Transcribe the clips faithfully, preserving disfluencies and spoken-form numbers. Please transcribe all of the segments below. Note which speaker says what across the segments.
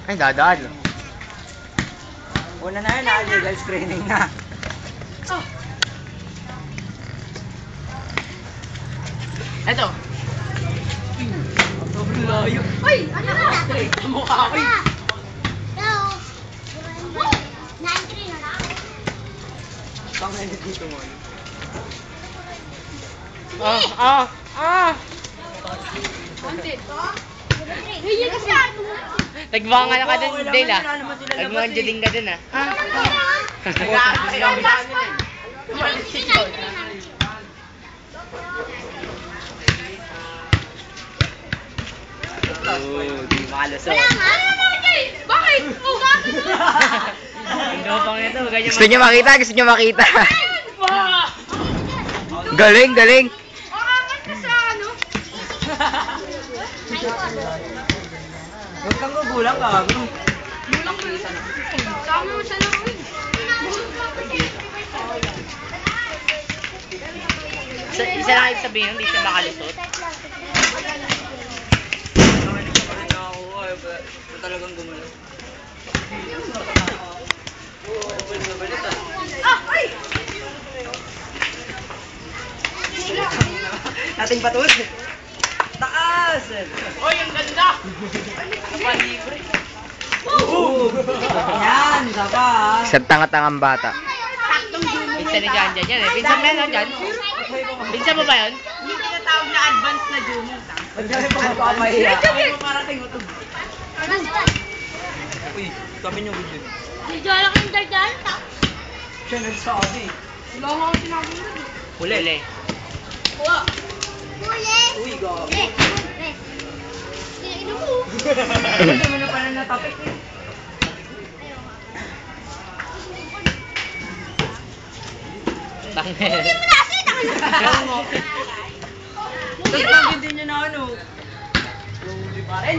Speaker 1: Ay, dadaan.
Speaker 2: Una na yun, ah, legal screening na.
Speaker 3: Oh. Eto.
Speaker 2: Sobrang layo.
Speaker 3: Uy! Ano ka?
Speaker 2: Straight sa mukha ko. Pangay na dito mo.
Speaker 1: Ah, ah, ah!
Speaker 3: Konti. Hiya kasi ano.
Speaker 1: Nagbangal ka dun,
Speaker 2: Oo,
Speaker 1: Dale, ah.
Speaker 2: kailangan nila naman sila labas,
Speaker 1: Nagmanjo
Speaker 2: eh.
Speaker 1: din ka dun, ah.
Speaker 2: Tumalis si John. Oh, di makalusot.
Speaker 3: Bakit? Oh, bakit?
Speaker 1: Ang dopang nito, ganyan.
Speaker 4: Gusto niyo makita? Gusto niyo makita?
Speaker 3: Ba!
Speaker 4: Galing, galing.
Speaker 3: Angat ka sa ano?
Speaker 2: Huwag kang gugulang ka.
Speaker 3: Mulang ko yun. Sama mo sa laro eh.
Speaker 1: Isa, isa lang ibig sabihin, hindi siya makalusot.
Speaker 2: Talagang gumalaw.
Speaker 3: Ah! Ay!
Speaker 2: Ating patud. Taas!
Speaker 3: Oy, ang ganda!
Speaker 1: Kapalibre.
Speaker 2: Oo! Yan, isa pa ah.
Speaker 4: Isang tanga-tangang bata.
Speaker 1: Pinsan ni Jan Jan yan eh. Pinsan mo yan, no, Jan? Pinsan mo ba yun?
Speaker 3: Hindi tinatawag na advanced na Jumo.
Speaker 2: Ba't kami pagpapamahiya? Ay mo parating utog. Uy, sabi niyo good yun.
Speaker 3: Di dyan ako yung dardal.
Speaker 2: Siya nagsabi.
Speaker 3: Wala ko akong sinabi mo.
Speaker 1: Huli. Huli.
Speaker 3: Wala.
Speaker 2: Uy, gabi.
Speaker 3: Ino mo.
Speaker 2: Ito mo na pala natapik eh.
Speaker 1: Tangin.
Speaker 3: Hindi mo na kasi nakalimutan.
Speaker 2: Tapos lagi din niya na ano. Huli pa rin.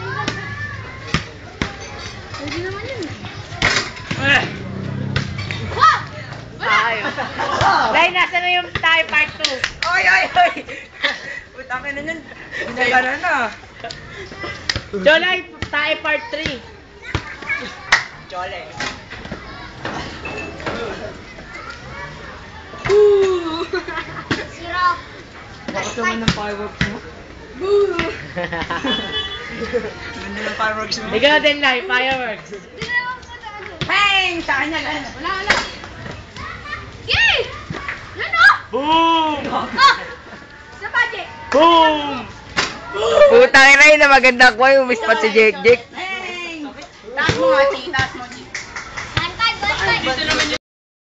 Speaker 3: Pwede naman yun.
Speaker 2: Eh!
Speaker 3: Wah!
Speaker 1: Tayo. Dahil nasa na yung tayo part two.
Speaker 2: Ay, ay, ay! Utangin na nun. Pinagana na.
Speaker 1: Jolay, tayo part three.
Speaker 2: Chole.
Speaker 3: Sira.
Speaker 2: Bakit naman ng fireworks mo?
Speaker 3: Boo!
Speaker 2: Ganda ng fireworks mo.
Speaker 1: Ikaw din, Lai, fireworks.
Speaker 3: Hindi naman po na ano.
Speaker 2: Bang! Sa kanya lang.
Speaker 3: Wala, wala. Yay! Yan o!
Speaker 1: Boom!
Speaker 3: Ah! Sa budget.
Speaker 1: Boom!
Speaker 4: Putang ina yun na maganda ko yung umispat si Jake Jake.
Speaker 2: Bang!
Speaker 3: Taas mo nga, Chi. Taas mo, Chi. One five, one five.
Speaker 2: Dito naman